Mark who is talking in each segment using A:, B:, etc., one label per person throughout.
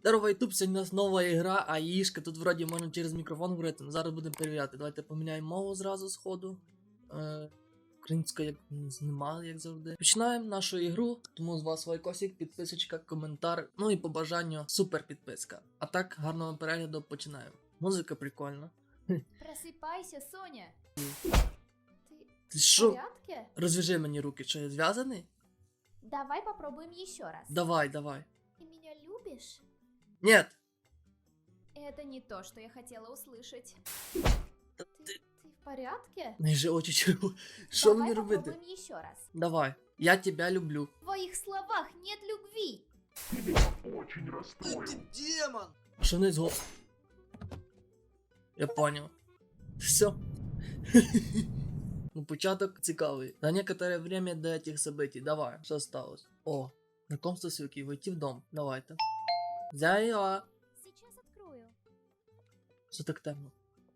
A: Здорово, ютуб, сьогодні у нас нова ігра, АІшка. Тут вроді можна через мікрофон говорити, але зараз будемо перевіряти. Давайте поміняємо мову зразу з ходу. Українська як немає, як завжди. Починаємо нашу ігру, тому з вас лайкосик, підписочка, коментар, ну і по бажанню супер підписка. А так, гарного перегляду, починаємо. Музика прикольна.
B: Просыпайся, Соня.
A: Ти
B: В
A: що?
B: порядке?
A: Розв'яжи мені руки, що я зв'язаний?
B: Давай попробуем еще раз.
A: Давай, давай.
B: Ты меня любишь?
A: Нет!
B: Это не то, что я хотела услышать.
A: Та
B: Ты в порядке?
A: Не же очі червоні. Що
B: Давай
A: мені робити?
B: попробуем еще раз.
A: Давай. Я тебя люблю.
B: В твоих словах нет любви.
C: Очень расстроил.
A: Демон! Що не зго... Я понял. Все. Ну, початок цікавий. На некоторое время до этих событий. Давай, що сталося? О, знакомство с Юки, войти в дом. Давайте. Зайла.
B: Сейчас открою.
A: Що так темно?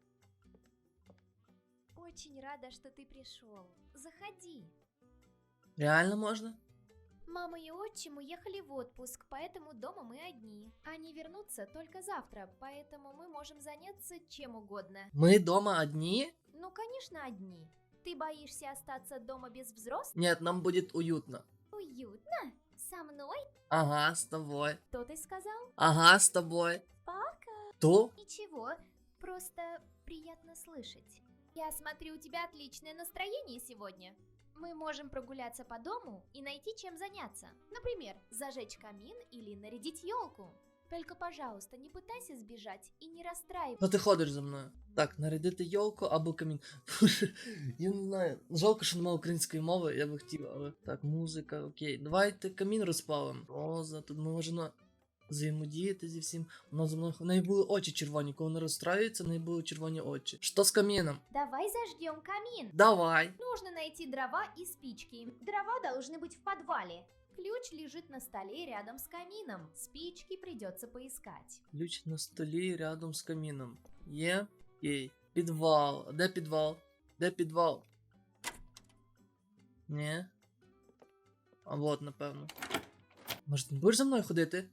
B: Очень рада, что ты пришел. Заходи.
A: Реально можна?
B: Мама и отчим уехали в отпуск, поэтому дома мы одни. Они вернутся только завтра, поэтому мы можем заняться чем угодно.
A: Ми дома одні?
B: Ну, конечно, одни. Ты боишься остаться дома без взрослых?
A: Нет, нам будет уютно.
B: Уютно? Со мной?
A: Ага, с тобой.
B: Что ты сказал?
A: Ага, с тобой.
B: Пока.
A: То?
B: Ничего, просто приятно слышать. Я смотрю, у тебя отличное настроение сегодня. Мы можем прогуляться по дому и найти чем заняться. Например, зажечь камин или нарядить елку. Только, пожалуйста, не пытайся сбежать и не расстраивайся.
A: Ну ти ходиш за мною. Так, нарядити йолку або камін. Я не знаю. Жалко, що немає української мови, я би хотів, але. Так, музика, окей. Давайте камін розпалимо. Роза, тут ми можемо взаємодіяти зі всім. Вона за мною. В неї були очі червоні. Коли вона розстраюється, в неї були червоні очі. Що з каміном?
B: Давай зажгем камин.
A: Давай.
B: Нужно найти дрова и спички. Дрова должны быть в подвале. Ключ лежит на столе рядом с камином. Спички придется поискать.
A: Ключ на столі рядом з каміном. Є? Окей. Підвал. А де підвал? Де підвал? Ні. А вот, напевно. Може, ти не будеш за мною ходити?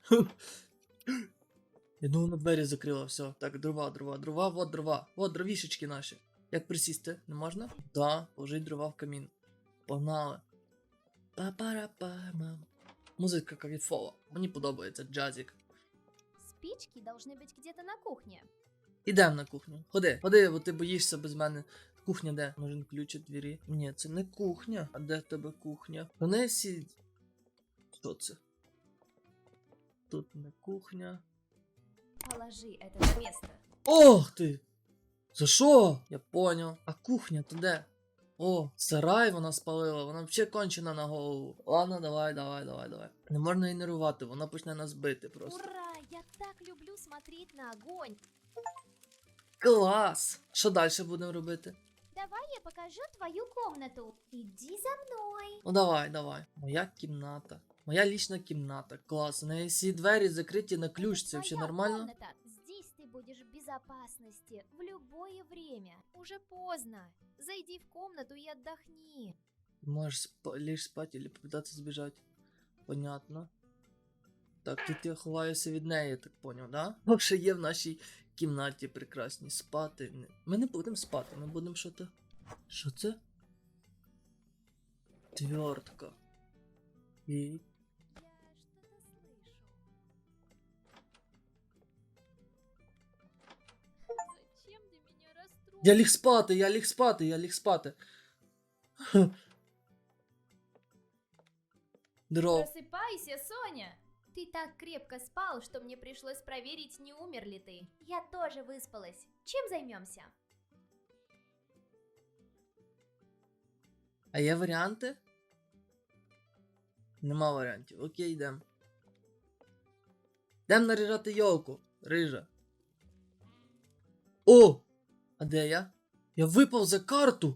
A: Я думаю, на двері закрила, все. Так, дрова, вот дрова. Вот дровішечки наші. Як присісти? Не можна? Да, положить дрова в камін. Погнали. Па-пара-па-мам. Музика кайфова. Мені подобається джазик.
B: Спички должны быть где-то на кухне.
A: Ідем на кухню. Ходи, ходи, бо ти боїшся без мене. Кухня де? Може ключ від двері? Ні, це не кухня. А де в тебе кухня? Вони всі... Що це? Тут не кухня.
B: Положи это на место.
A: Ох ти! За що? Я поняв. А кухня то де? О, сарай вона спалила, вона взагалі кончена на голову. Ладно, давай. Не можна її нервувати, вона почне нас бити просто.
B: Ура! Я так люблю смотреть на огонь.
A: Клас! Що далі будемо робити?
B: Давай я покажу твою комнату. Иди за мной.
A: Ну давай. Моя кімната. Моя лічна кімната. Клас. У неї всі двері закриті на ключ. Це взагалі
B: Твоя
A: нормально?
B: комната. Здесь ты будешь в безопасности в любое время. Уже поздно. Зайди в комнату и отдохни.
A: Можеш лишь спати или попытаться збіжати. Понятно. Так, тут я ховаюся від неї, я так поняв, да? Ще є в нашій кімнаті прекрасній. Спати. Ми не будемо спати, ми будемо що-то. Що це? Твертка. І...
B: Я что-то слышу. Зачем ты меня расстроил?
A: Я ліг спати. Дров.
B: Просыпайся, Соня! Ты так крепко спал, что мне пришлось проверить, не умер ли ты. Я тоже выспалась. Чем займемся?
A: А є варіанти? Нема варіантів. Окей, йдем. Йдем наряжати йолку, рижа. О! А де я? Я випав за карту!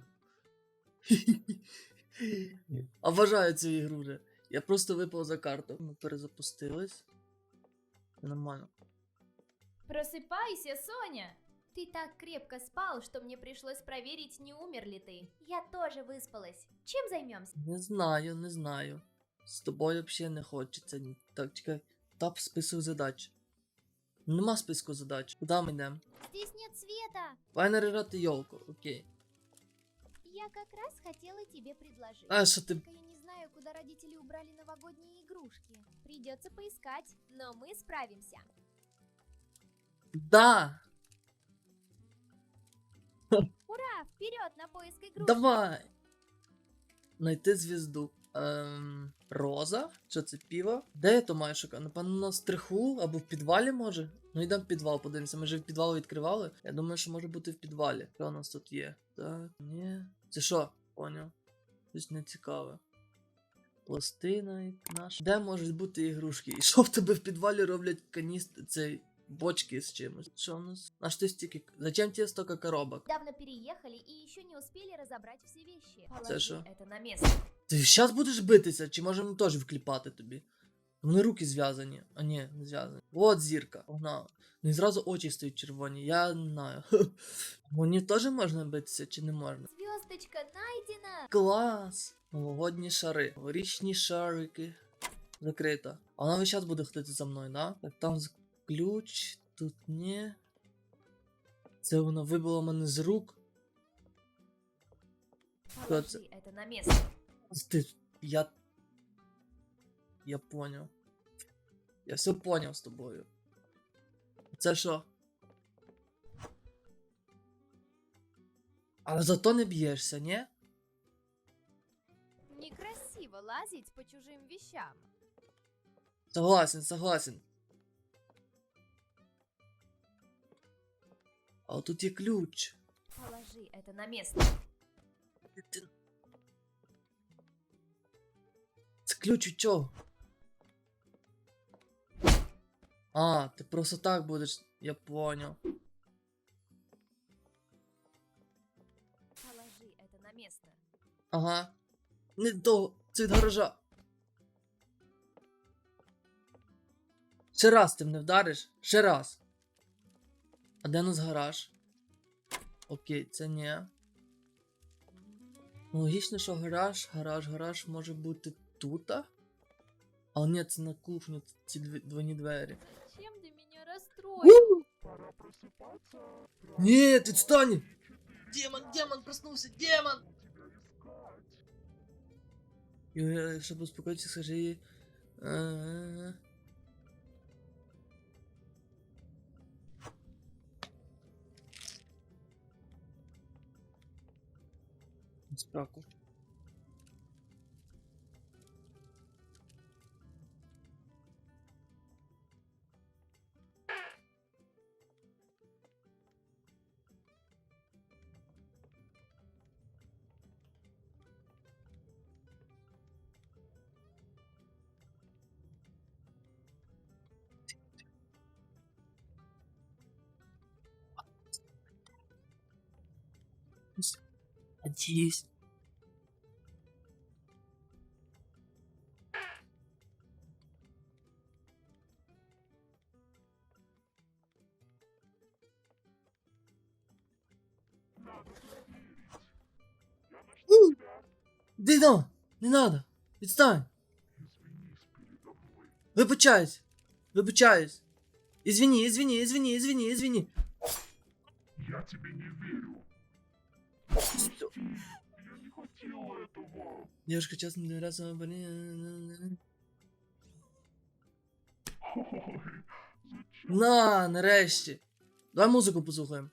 A: Обожаю цю ігру вже. Я просто випав за карту. Ми перезапустились. Нормально.
B: Просыпайся, Соня! Ты так крепко спал, что мне пришлось проверить, не умер ли ты. Я тоже выспалась. Чем займемся?
A: Не знаю. З тобою взагалі не хочеться. Так, чекай. Тап список задач. Нема списку задач. Куди ми йдемо?
B: Здесь нет света.
A: Давай наряжати йолку, окей.
B: Я как раз хотела тебе предложить.
A: А що ти.
B: Только я не знаю, куда родители убрали новогодние игрушки. Придется поискать, но мы справимся.
A: Да!
B: Ура! Вперед на поиск игрушек!
A: Давай! Найти звізду. Роза? Що це піва? Де я то маю шукати? Напевно, на стриху або в підвалі може? Ну йдемо в підвал, подивимося. Ми вже в підвал відкривали. Я думаю, що може бути в підвалі. Що у нас тут є? Так, ні. Це що? Поняв. Щось не цікаве. Пластина і наш. Де можуть бути ігрушки? І що в тебе в підвалі роблять цей бочки з чимось? Що у нас? Наш ти стільки. Зачем тебе стільки коробок?
B: Недавно переехали и еще не успели разобрать все вещи.
A: Це що?
B: это на место.
A: Ти зараз будеш битися, чи можемо теж вкліпати тобі? Вони руки зв'язані. А ні, не зв'язані. От зірка. Погнали. Ну і зразу очі стають червоні, я не знаю. Мені теж можна битися чи не можна?
B: Звездочка найдена!
A: Клас! Новогодні шари. Новорічні шарики. Закрита. А вона весь час буде ходити за мною, да? Так там ключ, тут ні. Це вона вибила мене з рук.
B: Положи это на место.
A: Ти, я поняв. Я все поняв з тобою. Це що? Але зато не б'єшся, ні?
B: Некрасиво лазить по чужим вещам.
A: Согласен, согласен. А от тут є ключ.
B: Положи это на место.
A: Це ключ від чого? А, ти просто так будеш. Я поняв.
B: Положи это на место.
A: Ага. Не до. Це від гаража. Ще раз ти мене вдариш? Ще раз. А де у нас гараж? Окей, це ні. Ну, логічно, що гараж може бути тут. Але ні, це на кухню, ці двойні двері.
B: Чем ты меня расстроил?
C: Пора просыпаться.
A: Ні, відстань! Демон, проснувся, демон!
C: Тебя искать.
A: Юля, щоб успокоїтися, скажи їй. Спраку. Надеюсь.
C: Надо проверить. Я нашла тебя.
A: Дино, не надо. Відстань.
C: Извинись передо мной.
A: Вибачаюсь. Извини.
C: Я тебе не верю. Прости. Я не хотел этого.
A: Девушка часто не нравится.
C: Ой, зачем?
A: На, нарешті. Давай музику послухаємо.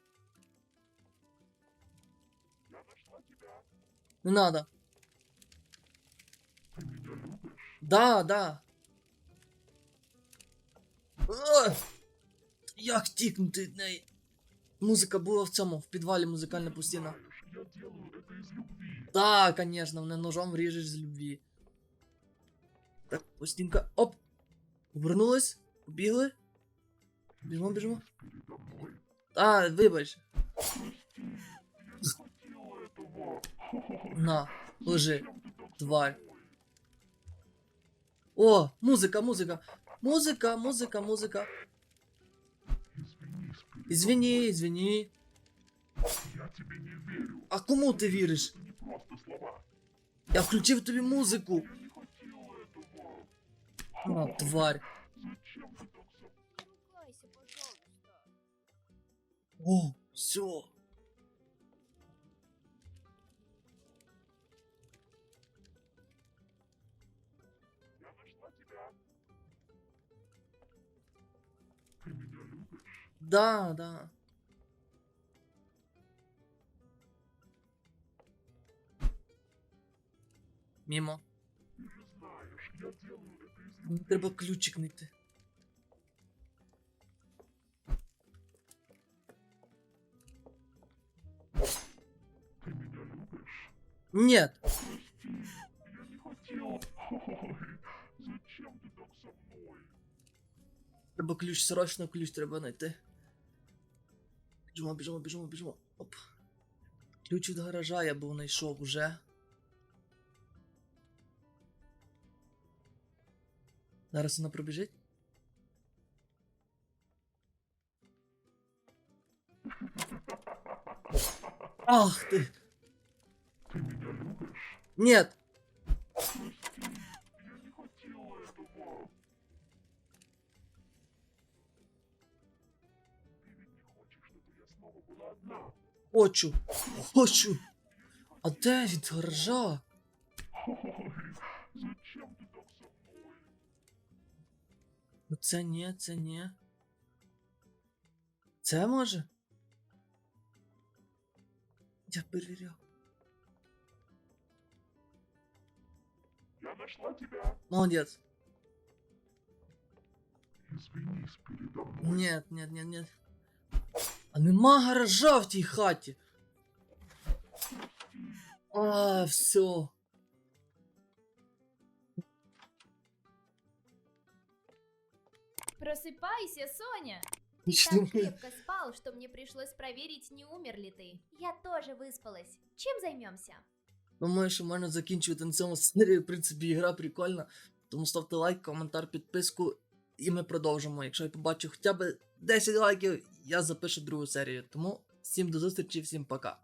C: Я нашла тебя.
A: Не надо.
C: Ты меня любишь?
A: Да. Як тікнути від неї? Музика була в цьому, в підвалі музикальна постійна.
C: Знаешь, я делаю это из любви.
A: Да, конечно, мене ножом вріжеш з любві. Так, постінка. Оп! Повернулась, побігли. Біжимо.
C: Передо мной.
A: А, вибач.
C: Прости. Я не хотел этого.
A: На, лежи,
C: Зачем ты так со
A: тварь.
C: мной?
A: О, музика.
C: Извинись передо
A: Извини.
C: Я тебе не верю.
A: А кому ти віриш?
C: Это не просто слова.
A: Я включив тобі музику.
C: Я не хотел этого.
A: А, тварь.
C: Зачем
A: О, все.
C: Я нашла тебя. Ты меня любишь?
A: Да, да. Мимо.
C: Ты же знаешь, я делаю это из
A: Мені
C: любви.
A: треба ключик знайти.
C: Ты меня любишь?
A: Нет.
C: Прости, я не хотел. Ой, зачем ты так со мной?
A: Треба ключ, срочно ключ треба знайти. Біжимо, біжимо, біжимо, біжимо. Оп. Ключ від гаража я був знайшов уже. Зараз вона пробіжить. Ах ти!
C: Ты меня любишь?
A: Нет!
C: Прости, я не хотел этого. Ты ведь не хочешь, чтобы я снова была одна?
A: Хочу! Хочу! А де від гаража?
C: Ой, зачем ты так со мной?
A: Ну це ні, це ні. Це може? Я перевіряв.
C: Я нашла тебя.
A: Молодець.
C: Извинись передо мной.
A: Нет, нет, нет, нет. А нема гаража в тій хаті. А, все.
B: Просыпайся, Соня! Ты
A: Нічого.
B: так крепко спал, что мне пришлось проверить, не умер ли ты. Я тоже выспалась. Чем займемся?
A: Думаю, що можна закінчувати на цьому серію. В принципі, ігра прикольна. Тому ставте лайк, коментар, підписку. І ми продовжимо. Якщо я побачу хоча б 10 лайків, я запишу другу серію. Тому всім до зустрічі, всім пока.